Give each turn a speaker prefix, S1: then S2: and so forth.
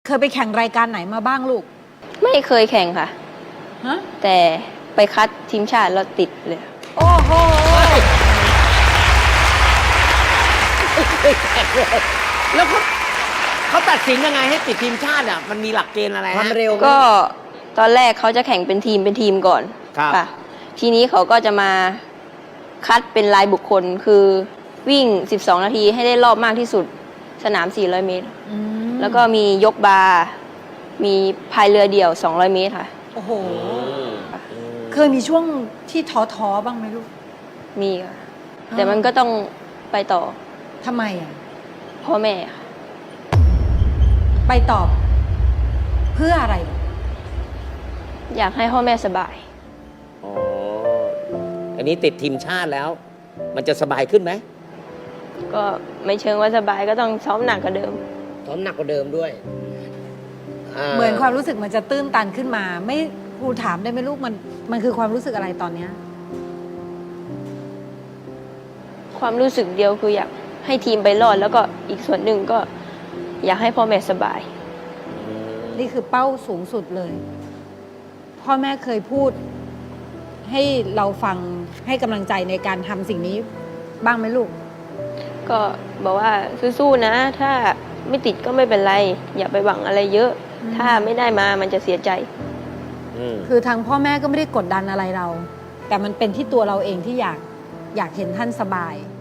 S1: เคยไปแข่งรายการไหนมาบ้างลูก
S2: ไม่เคยแข่งค่ะ
S1: ฮะ
S2: แต่ไปคัดทีมชาติแล้วติดเลย
S1: โอ้โห
S3: แล้วเขาตัดสินยังไงให้ติดทีมชาติอ่ะมันมีหลักเกณฑ์อะไร
S4: ความ
S3: ฮะ
S4: เร็ว
S2: ก็ตอนแรกเขาจะแข่งเป็นทีมก่อน
S3: ครับ
S2: ค่ะ ทีนี้เขาก็จะมาคัดเป็นรายบุคคลคือวิ่ง 12 นาทีให้ได้รอบมากที่สุดสนาม 400 เมตร
S1: อืม
S2: แล้วก็มียกบาร์มีพายเรือเดี่ยว 200 เมตรค่ะ
S1: โอ้โห เคยมีช่วงที่ท้อบ้างไหมลูก
S2: มีค่ะ แต่มันก็ต้องไปต่อ
S1: ทำไมอ่ะ
S2: พ่อแม่ค่ะ
S1: ไปตอบ เพื่ออะไรลูก
S2: อยากให้พ่อแม่สบาย
S3: อ๋ออันนี้ติดทีมชาติแล้ว มันจะสบายขึ้นไหม
S2: ก็ไม่เชิงว่าสบายก็ต้องซ้อมหนักกว่าเดิม
S4: ซ้อมหนักกว่าเดิมด้วย
S1: เหมือนความรู้สึกมันจะตื้นตันขึ้นมา ไม่ครูถามได้ไหมลูกมันคือความรู้สึกอะไรตอนเนี้ย
S2: ความรู้สึกเดียวคืออยากให้ทีมไปรอด แล้วก็อีกส่วนหนึ่งก็อยากให้พ่อแม่สบาย
S1: นี่คือเป้าสูงสุดเลย พ่อแม่เคยพูด ให้เราฟังให้กำลังใจในการทำสิ่งนี้บ้างไหมลูก
S2: ก็บอกว่าสู้ๆนะ ถ้าไม่ติดก็ไม่เป็นไร อย่าไปหวังอะไรเยอะ
S1: อืม
S2: ถ้าไม่ได้มามันจะเสียใจ
S1: คือทางพ่อแม่ก็ไม่ได้กดดันอะไรเรา แต่มันเป็นที่ตัวเราเองที่อยากเห็นท่านสบาย